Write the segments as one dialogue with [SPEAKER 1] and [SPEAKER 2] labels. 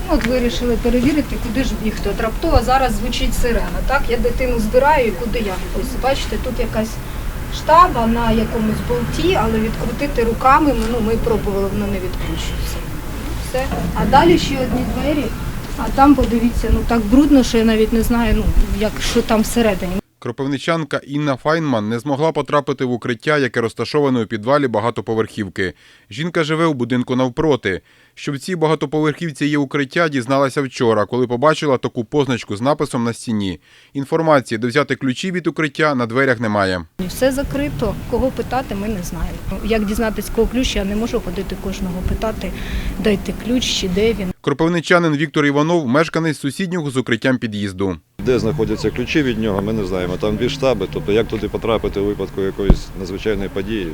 [SPEAKER 1] От вирішили перевірити, куди ж бігти. От раптово зараз звучить сирена. Так, я дитину збираю і куди я? Ось бачите, тут якась штаба на якомусь болті, але відкрутити руками ми пробували, воно не відкручується. Все. А далі ще одні двері, а там, подивіться, так брудно, що я навіть не знаю, що там всередині.
[SPEAKER 2] Кропивничанка Інна Файнман не змогла потрапити в укриття, яке розташоване у підвалі багатоповерхівки. Жінка живе у будинку навпроти. Що в цій багатоповерхівці є укриття, дізналася вчора, коли побачила таку позначку з написом на стіні. Інформації, де взяти ключі від укриття, на дверях немає.
[SPEAKER 1] Все закрито. Кого питати, ми не знаємо. Як дізнатися, кого ключ, я не можу ходити кожного питати, дайте ключ чи де він.
[SPEAKER 2] Кропивничанин Віктор Іванов – мешканець сусіднього з укриттям під'їзду.
[SPEAKER 3] Де знаходяться ключі від нього, ми не знаємо. Там дві штаби, тобто як туди потрапити у випадку якоїсь надзвичайної події,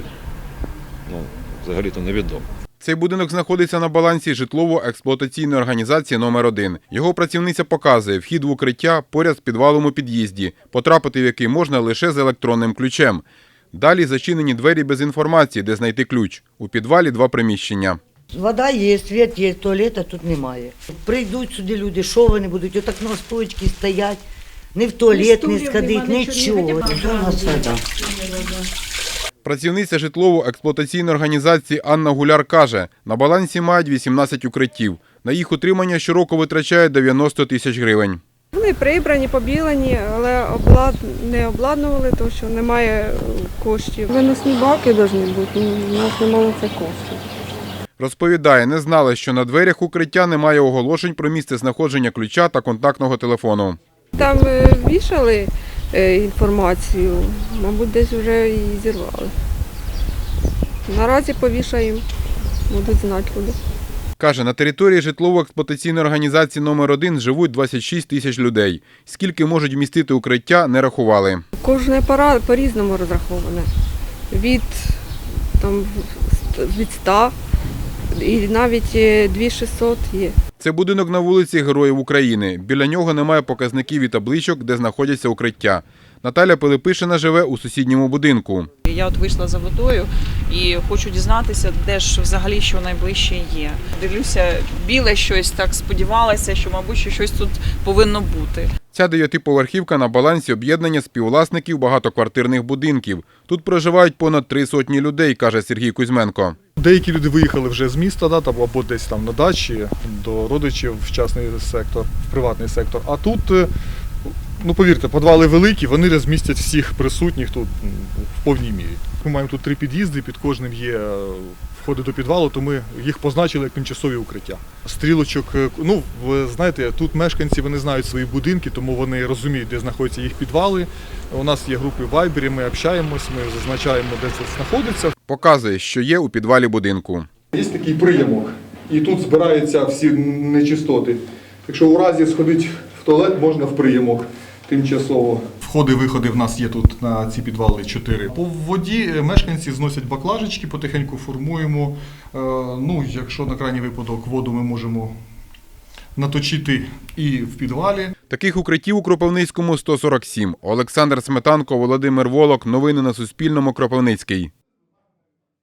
[SPEAKER 3] взагалі-то невідомо.
[SPEAKER 2] Цей будинок знаходиться на балансі житлово-експлуатаційної організації номер 1. Його працівниця показує вхід в укриття поряд з підвалом у під'їзді, потрапити в який можна лише з електронним ключем. Далі зачинені двері без інформації, де знайти ключ. У підвалі 2 приміщення.
[SPEAKER 4] Вода є, світ є, туалета тут немає. Прийдуть сюди люди, що вони будуть, отак на стоечці стоять, не в туалет не сходить, нічого. Це у нас вода.
[SPEAKER 2] Працівниця житлово-експлуатаційної організації Анна Гуляр каже, на балансі мають 18 укриттів. На їх утримання щороку витрачають 90 тисяч гривень.
[SPEAKER 5] Вони прибрані, побілені, але не обладнували, тому що немає коштів. Виносні баки повинні бути, у нас немає цих коштів.
[SPEAKER 2] Розповідає, не знала, що на дверях укриття немає оголошень про місце знаходження ключа та контактного телефону.
[SPEAKER 5] Там вішали інформацію, мабуть, десь вже її зірвали. Наразі повішаємо, будуть знати люди.
[SPEAKER 2] Каже, на території житлово-експлуатаційної організації номер 1 живуть 26 тисяч людей. Скільки можуть вмістити укриття, не рахували.
[SPEAKER 5] Кожне по-різному розраховане. Від 100 і навіть 2600 є.
[SPEAKER 2] Це будинок на вулиці Героїв України. Біля нього немає показників і табличок, де знаходяться укриття. Наталя Пилипишина живе у сусідньому будинку.
[SPEAKER 6] Я вийшла за водою і хочу дізнатися, де ж взагалі що найближче є. Дивлюся, біле щось, так сподівалася, що, мабуть, щось тут повинно бути.
[SPEAKER 2] Ця 9-поверхівка на балансі об'єднання співвласників багатоквартирних будинків. Тут проживають понад 300 людей, каже Сергій Кузьменко.
[SPEAKER 7] Деякі люди виїхали вже з міста, або десь там на дачі, до родичів в частний сектор, в приватний сектор. А тут, повірте, підвали великі, вони розмістять всіх присутніх тут в повній мірі. Ми маємо тут 3 під'їзди, під кожним є входи до підвалу, то ми їх позначили як тимчасові укриття. Стрілочок, ви знаєте, тут мешканці, вони знають свої будинки, тому вони розуміють, де знаходяться їх підвали. У нас є групи в Вайбері, ми общаємось, ми зазначаємо, де це знаходиться.
[SPEAKER 2] Показує, що є у підвалі будинку.
[SPEAKER 7] Є такий приямок, і тут збираються всі нечистоти. Якщо у разі сходити в туалет, можна в приямок тимчасово. Входи-виходи в нас є тут на ці підвали 4. По воді мешканці зносять баклажечки, потихеньку формуємо. Якщо на крайній випадок воду ми можемо наточити і в підвалі.
[SPEAKER 2] Таких укриттів у Кропивницькому 147. Олександр Сметанко, Володимир Волок. Новини на Суспільному. Кропивницький.